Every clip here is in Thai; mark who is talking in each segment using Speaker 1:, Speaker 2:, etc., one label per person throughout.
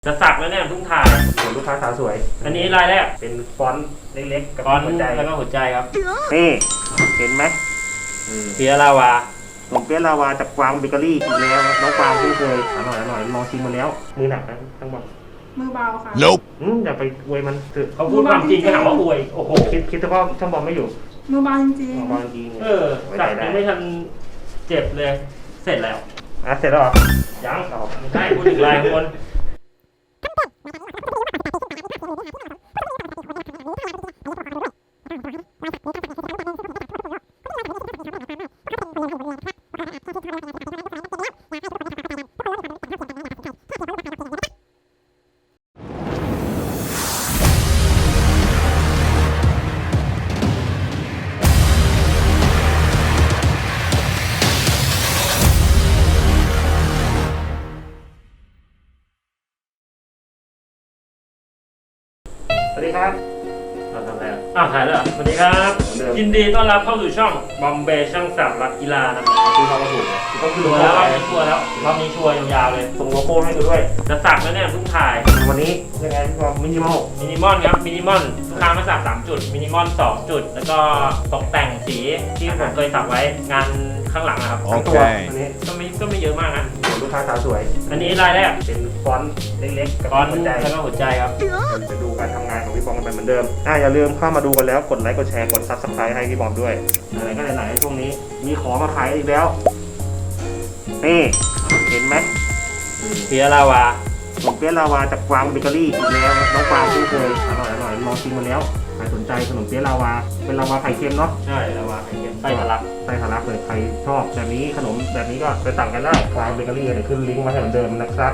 Speaker 1: จะสักแล้วเนี่ยเพิ่งถ่าย
Speaker 2: ลูกค้าสาวสวย
Speaker 1: อันนี้ลายแรก
Speaker 2: เป็นฟอนต์เล็กๆกับ
Speaker 1: หัวใจแล้วก็หัวใจครับ
Speaker 2: นี่เห็นไหม
Speaker 1: เปียลาวา
Speaker 2: ขนมเปี๊ยะลาวาจากกวางเบเกอรี่อีกแล้วน้องกวางที่เคยอร่อยลองชิมมาแล้วมือหนักนะทั้งหมด
Speaker 3: มือเบาค่ะ
Speaker 2: Nope อย่าไปอวยมัน
Speaker 1: เขาพูดความจริงก็หาว่าอวยโอ้โห
Speaker 2: คิดว่าช่างบอลไม่อยู่
Speaker 3: มือเบาจริง
Speaker 2: ๆบอลจริง
Speaker 1: สักยังไม่ทันเจ็บเลยเสร็จแล้ว
Speaker 2: เสร็จแล้วเหรอ
Speaker 1: ยังไม่ใช่พูดถึงลายคน
Speaker 2: สวัสดีครับ
Speaker 1: ทำอะไรถ่ายแล้วสวัสดีครับยินดีต้อนรับเข้าสู่ช่องบอมเบย์ช่างสักรักกีฬานะครับ
Speaker 2: คือเขาถูก
Speaker 1: ก็คือแล้วรอบนี้ชัวร์แล้วรอบนี้ชัวร์ยาวๆเลย
Speaker 2: ส่งโลโก้ให้ดูด้วย
Speaker 1: จะสักแล้วเนี่ยเพิ่งถ่าย
Speaker 2: วันนี้ยังไงก็มินิมอล
Speaker 1: ครับมินิมอลลูกค้ามาสัก3จุดมินิมอล2จุดแล้วก็ตกแต่งสีที่ผมเคยสักไว้งานข้างหลังนะครับ
Speaker 2: ตัวอันนี้
Speaker 1: ก็ไม่เยอะมากนะ
Speaker 2: ลูกค้าสาวสวย
Speaker 1: อันนี้ลายแรก
Speaker 2: เป็นฟอนต์เล็กๆกับ
Speaker 1: หัวใจแล้วก็หัวใจครับ
Speaker 2: จะดูการทำงานของพี่บอมกันเหมือนเดิมอย่าลืมเข้ามาดูกันแล้วกดไลค์กดแชร์กดซับสไครต์ให้พี่บอมด้วยอะไรก็ไหนๆช่วงนี้มีของมาขายอีกแล้วนี่เห็นไหม
Speaker 1: เปียลาวา
Speaker 2: ขนมเปี๊ยะลาวาจากกวางเบเกอรี่อีกแล้วน้องกวางที่เคยอร่อยลองชิมมาแล้วใครสนใจขนมเปี๊ยะลาวาเป็นลาวาไข่เค็มเนาะ
Speaker 1: ใช่ลาวาไข่เค็มไส้ทะลัก
Speaker 2: เลยใครชอบแบบนี้ขนมแบบนี้ก็ไปสั่งกันได้กวางเบเกอรี่เดี๋ยวขึ้นลิงก์มาให้เหมือนเดิมนะครับ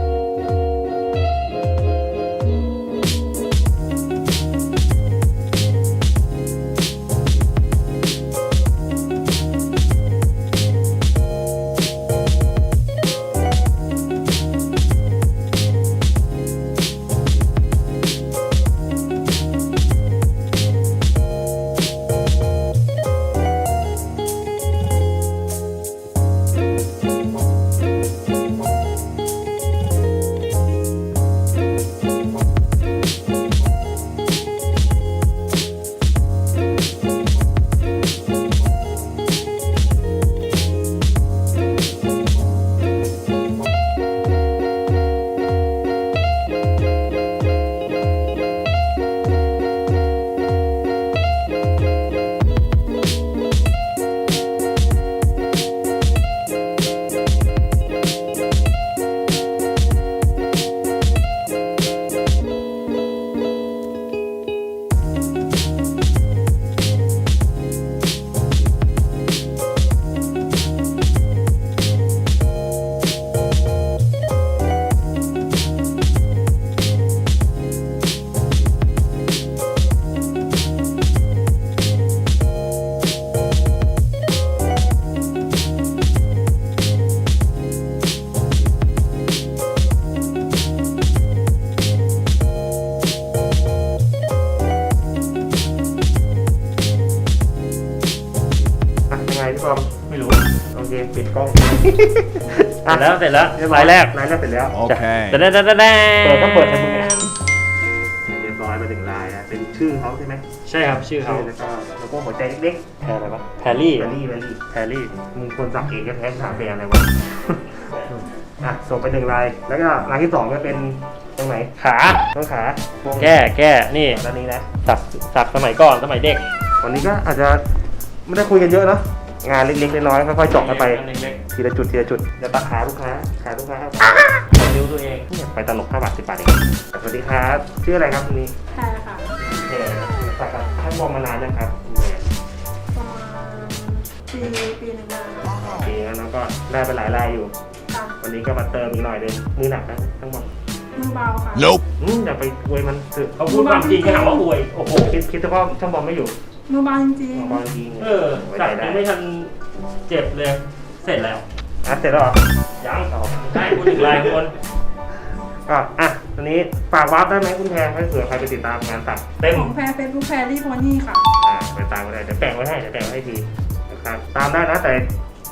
Speaker 2: พี่บอม
Speaker 1: ไม่รู้
Speaker 2: โอเคปิดกล้อง
Speaker 1: เสร็จแล้วลายแรก
Speaker 2: เสร็จแล้ว
Speaker 1: โอเค
Speaker 2: เปิดต้องเปิดให้มึงเรียบร้อยมาถึงลายแล้วเป็นชื่อเขาใช่ไหม
Speaker 1: ใช่ครับชื่อเขา
Speaker 2: แล้วก็หัวใจเล็ก
Speaker 1: ๆแพรอะไรปะแพรรี่
Speaker 2: มึงคนสักเองก็แท้ถามแบรนด์อะไรวะส่งไป1ลายแล้วก็ลายที่2ก็เป็นตรงไหนต้นขา
Speaker 1: แก้นี่
Speaker 2: ตอนนี้นะ
Speaker 1: สักสมัยก่อนสมัยเด็ก
Speaker 2: วันนี้ก็อาจจะไม่ได้คุยกันเยอะเนาะงานเล็กๆน้อยๆค่อยๆเจาะกันไปทีละจุดจะตัดขาลูกค้า
Speaker 1: นิ้วตัวเอง
Speaker 2: ไปตลก5 บาท 10 บาทเองสวัสดีครับชื่ออะไรครับคุณนี้
Speaker 3: แพรค่ะ
Speaker 2: สักท่านมองมานานยังครับ
Speaker 3: ประมาณปีนึง
Speaker 2: แล้วก็ได้ไปหลายรายอยู่วันนี้ก็มาเติมอีกหน่อยนึงมือหนักนะทั้งหมด
Speaker 3: มือเบาค่ะ
Speaker 2: Nope อย่าไปอวยมัน
Speaker 1: เขาพูดความจริงก็หาว่าอวยโอ้โห
Speaker 2: คิดว่าช่างบอลไม่อยู่
Speaker 3: มือเบาจริง
Speaker 1: สักยังไม่ทันเจ็บเลยเสร็จแล้ว
Speaker 2: เสร็จแล้วเหรอ
Speaker 1: ยังใช่พูดถึงลายคน
Speaker 2: ก็ตอนนี้ฝากวาร์ปได้ไหมคุณแพรให้เผื่อใครไปติดตามงานสัก
Speaker 3: เต็มของแพรเฟซบุ๊กแพรรี่โพนี่ค่ะ
Speaker 2: ไปตามก็ได้เดี๋ยวแปะไว้ให้ทีนะครับตามได้นะแต่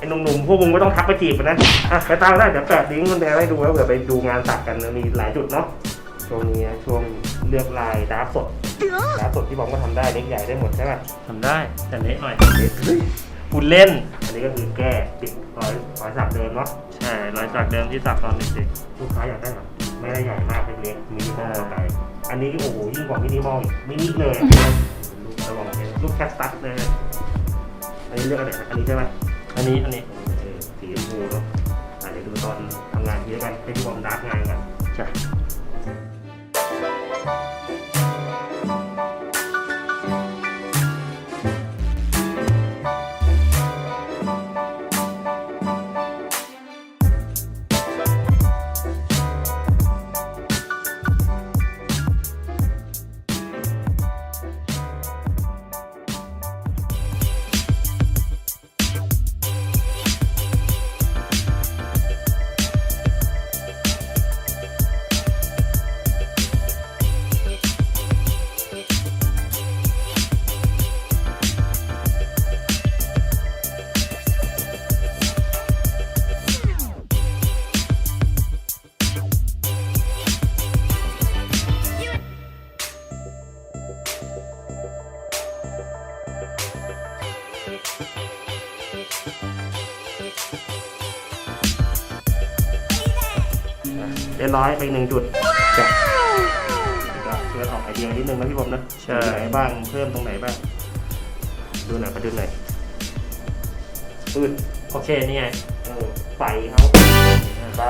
Speaker 2: อ้หนุ่มๆพวกมึงไม่ต้องทักไปจีบมันนะอ่ะไปตามได้เดี๋ยวแปะลิงก์คุณแดงให้ดูแล้วเผื่อไปดูงานสักกันมีหลายจุดเนาะช่วงนี้ช่วงเลือกลายดาร์กสดที่บอกว่าทำได้เล็กใหญ่ได้หมดใช่ไหม
Speaker 1: ทำได้แต่เละหน่อย
Speaker 2: เฮ้ย
Speaker 1: คุณเล่น
Speaker 2: อันนี้ก็คือแก้ติดรอยสักเดิมเนาะ
Speaker 1: ใช่รอยสักเดิมที่สักตอนเด็ก
Speaker 2: ลูกค้าอยากได้แบบไม่ได้ใหญ่มากเล็กๆมินิมอลไปอันนี้โอ้โหยิ่งกว่ามินิมอลอีกมินิเลยลูกระวังเลยลูกแคสตัสเลยอันนี้เลือกอะไรอันนี้ใช่ไหม
Speaker 1: ๆอันนี้
Speaker 2: สีชมพูเนาะเดี๋ยวดูตอนทำงานเยอะกันให้พี่บอมดักงานกัน
Speaker 1: ใช่
Speaker 2: เรียบร้อยไปอีก1 จุดจ้ะก็เพื่อออกไอเดียนิดนึงนะพี่บอมนะ
Speaker 1: ใช่
Speaker 2: ตรงไหนบ้างเพิ่มตรงไหนบ้างดูหน่อยมาดูหน่อยปืน
Speaker 1: โอเคนี่ไง
Speaker 2: ไฟเขาบ้า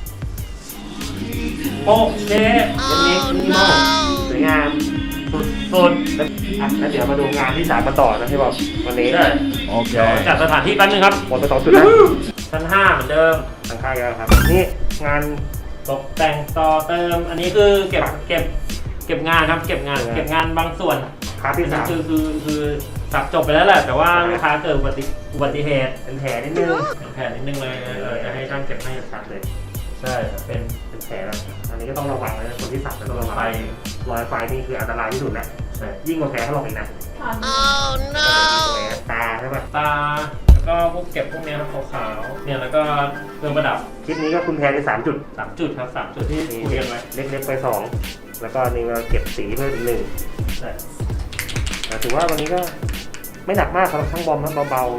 Speaker 1: โอเค
Speaker 2: เล็กๆมินิมอลสวยงาม
Speaker 1: สุด
Speaker 2: แล้วเดี๋ยวมาดูงานที่3มาต่อนะพี่บอมวันนี้
Speaker 1: ๆได้โอเคจัดสถานที่แป๊บนึงครับ
Speaker 2: หมดไป2 จุดแล้ว
Speaker 1: ชั้น5เหมือนเดิม
Speaker 2: ทางค่ายแล้วครับนี่งาน
Speaker 1: ตกแต่งต่อเติม อันนี้คือเก็บงานครับ เก็บงานบางส่วน
Speaker 2: พาร์ทที่
Speaker 1: คือสับจบไปแล้วแหละ แต่ว่าลูกค้าเกิดอุบัติเหตุ
Speaker 2: 3เป็นแผลนิดนึง
Speaker 1: เป็นแผลนิดนึงเลยจะให้ช่างเก็บให้
Speaker 2: ชัดเลย
Speaker 1: ใช่เป็น
Speaker 2: เป็นแผลแล้วอันนี้ก็ต้องระวังนะคนที่สักจะต้องระวัง
Speaker 1: ไฟ
Speaker 2: รอยไฟนี่คืออันตรายที่สุดแล้ว
Speaker 1: ใช่
Speaker 2: ยิ่งกว่าแผลถลอกอีกนะ
Speaker 3: ผ่าน
Speaker 2: ตาใช่ปะ
Speaker 1: ตาแล้วก็พวกเก็บพวกเนี้ยครับขาวๆเนี่ยแล้วก็เครื่องประดับ
Speaker 2: คลิปนี้ก็คุณแพรได้3 จุด
Speaker 1: 3 จุดครับ3 จุดที่คุยกันไว้
Speaker 2: เล็กๆไป2แล้วก็นี่เราเก็บสีเพิ่มอีก1
Speaker 1: ใช่
Speaker 2: แต่ถือว่าวันนี้ก็ไม่หนักมากสำหรับช่างบอมนะเบา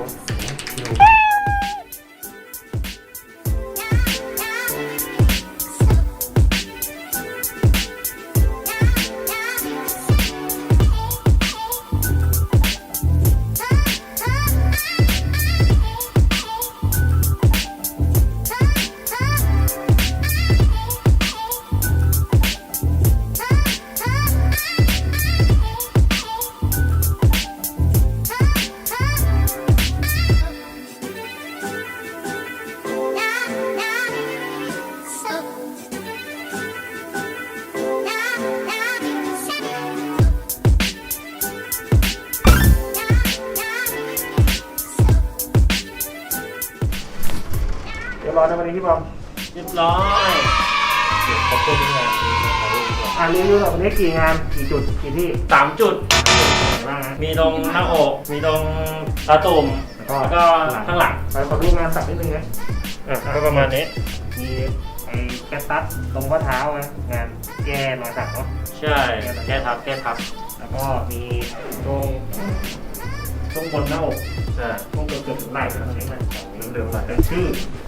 Speaker 2: ๆเดี๋ยวรอนะวันนี้พี่บอม
Speaker 1: เรียบร้อยเดี๋ยวขอบคุณงานถ่ายรูปดีกว่า
Speaker 2: รีวิวแบบวันนี้กี่งานกี่จุดกี่ที่
Speaker 1: 3 จุด
Speaker 2: บ้างนะ
Speaker 1: มีตรงหน้าอก มีตรงตาตุ่ม แล้วก็ข้างหลัง
Speaker 2: ไปขอดูงานสักนิดนึงนะ
Speaker 1: ก็ประมาณนี้
Speaker 2: มีไอ้แคสตัสตรงข้อเท้านะงานแก้รอยสักเนาะ
Speaker 1: ใช่แก้ทับ
Speaker 2: แล้วก็มีตรงบนหน้าอก
Speaker 1: ใช่
Speaker 2: ตรงเกือบถึงไหล่นะตรงนี้มันเดิมๆเป็นชื่อ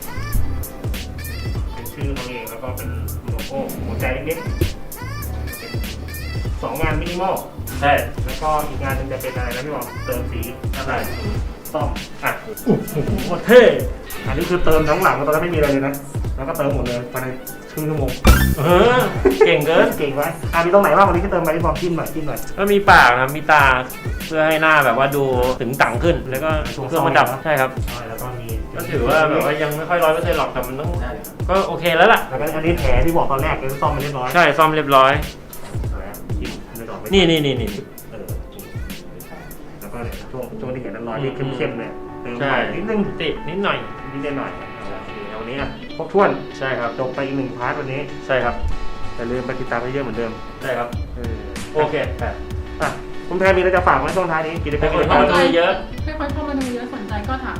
Speaker 2: เขาเองแล้วก็เป็นโลโก้หัวใจเล็กๆเป็น2 งานมินิมอล
Speaker 1: ใช่
Speaker 2: แล้วก็อีกงานหนึงจะเป็นอะไรนะพี่บอมเติมสีอะไรซ่อมอ่ะ
Speaker 1: โคตรเท่
Speaker 2: อันนี้คือเติมทั้งหลังตอนนั้นไม่มีอะไรเลยนะแล้วก็เติมหมดเลยภายในครึ่งชั่วโมง
Speaker 1: เก่งเกิน
Speaker 2: เก่งไว้มีตรงไหนบ้างวันนี้ที่เติมไปพี่บอมจิ้มหน่อย
Speaker 1: ก็มีปากนะมีตาเพื่อให้หน้าแบบว่าดูถึงต่างขึ้น แล้วก็เครื่องประดับใช่ครับ
Speaker 2: แล้วก็มี
Speaker 1: ก็ถือว่าแบบว่ายังไม่ค่อย100%หรอกแต่มันต้องก็โอเคแล้วล่ะ
Speaker 2: แล้วก็อันนี้แผลที่บอกตอนแรกก็ซ่อมไปเรียบร้อย
Speaker 1: ใช่ซ่อมเรียบร้อย
Speaker 2: จิ้มไม่ต้องไม่
Speaker 1: นี่
Speaker 2: เออแล้วก็เนี่ยช่วงที่เห็นนั้นรอยที่เข้มๆเนี่ยเติม
Speaker 1: ใช่
Speaker 2: หน่อยนิดนึง
Speaker 1: ติดนิดหน่อย
Speaker 2: นิดหน่อยโอเควันนี้ครบถ้วน
Speaker 1: ใช่ครับ
Speaker 2: จบไปอีก1 พาร์ทวันนี้
Speaker 1: ใช่ครับ
Speaker 2: อย่าลืมไปติดตามให้เยอะเหมือนเดิม
Speaker 1: ใช่ครับ โอเค
Speaker 2: คุณแพรมีอะไรจะฝากไว้ช่วงท้ายนี้กิจกร
Speaker 1: ให้
Speaker 2: รม
Speaker 1: คนเข้ามาดูเยอะ
Speaker 3: ให้คนเข้ามาดูเยอะสนใจก็ถาม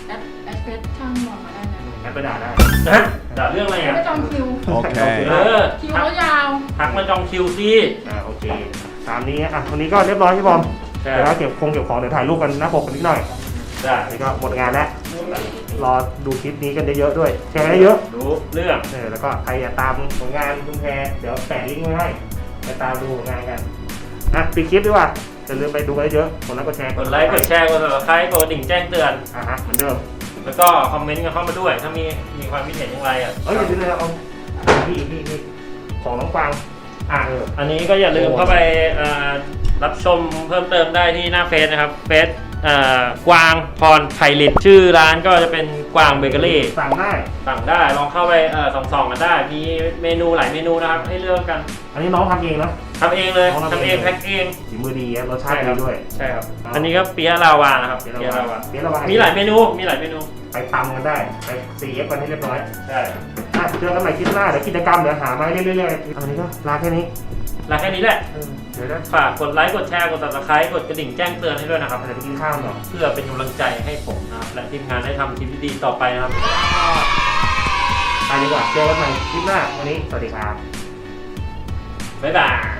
Speaker 3: แอดเฟซช่างบอกมาได้นะ
Speaker 2: แอปไปด่าได้
Speaker 1: ฮะด่าเรื่องอะไรอ่ะ
Speaker 3: ไม่จองคิว
Speaker 1: เออ
Speaker 3: คิวเขายาว
Speaker 1: ทักมาจองคิวสิ
Speaker 2: โอเคตามนี้อ่ะวันนี้ก็เรียบร้อยพี่บอม
Speaker 1: ใช่
Speaker 2: เดี๋ยวเราเก็บของเดี๋ยวถ่ายรูปกันหน้าปกกันนิดหน่อย
Speaker 1: ได้
Speaker 2: อันนี้ก็หมดงานแล้วรอดูคลิปนี้กันเยอะๆด้วยแชร์ให้เยอะ
Speaker 1: รู้เรื่อง
Speaker 2: แล้วก็ใครอยากตามผลงานคุณแพรเดี๋ยวแปะลิงก์ไว้ให้ไปตามดูผลงานกันปิดคลิปดีกว่าอย่าลืมไปดูกันเยอะกดไลค์กดแชร์
Speaker 1: กดไลค์กดแชร์กด subscribe กดกระดิ่งแจ้งเตือน
Speaker 2: เหมือนเดิม
Speaker 1: แล้วก็คอมเมนต์กันเข้ามาด้วย ถ้ามีความคิดเห็นอย่างไรอ่ะ
Speaker 2: อย่าลืมเลยเอานี่ของน้องกวาง
Speaker 1: อันนี้ก็อย่าลืมเข้าไปรับชมเพิ่มเติมได้ที่หน้าเฟซนะครับเฟซกวางพรไพลิตชื่อร้านก็จะเป็นกวางเบเกอรี่
Speaker 2: สั่งได้ ลองเข้าไปส่องกันได้มีเมนูหลายเมนูนะครับให้เลือกกันอันนี้น้องทำเองนะ
Speaker 1: ทำเองเลยทำเองแพ็คเอง
Speaker 2: ฝีมือดีรสชาติดีด้วย
Speaker 1: ใช่ครับอันนี้ก็เปี๊ยะลาวานะครับเปี๊ยะลาวามีหลายเมนู
Speaker 2: ไปตำกันได้ไปCFกันให้เรียบร้อย
Speaker 1: ใช่
Speaker 2: เจอกันใหม่คลิปหน้าเดี๋ยวกิจกรรมเดี๋ยวหามาให้เรื่อยๆอันนี้ก็ลาแค่นี้
Speaker 1: แหละ
Speaker 2: เดี๋ยวนะ
Speaker 1: ฝากกดไลค์กดแชร์กด subscribe กดกระดิ่งแจ้งเตือนให้ด้วยนะครับ
Speaker 2: เดี๋ยวไปกินข้าวหน่อย
Speaker 1: เพื่อเป็นกำลังใจให้ผมนะครับและทีมงานได้ทำคลิปดีๆต่อไปนะครับ
Speaker 2: ไปดีกว่าเจอกันใหม่คลิปหน้าวันนี้สวัสดีครับ
Speaker 1: บ๊ายบาย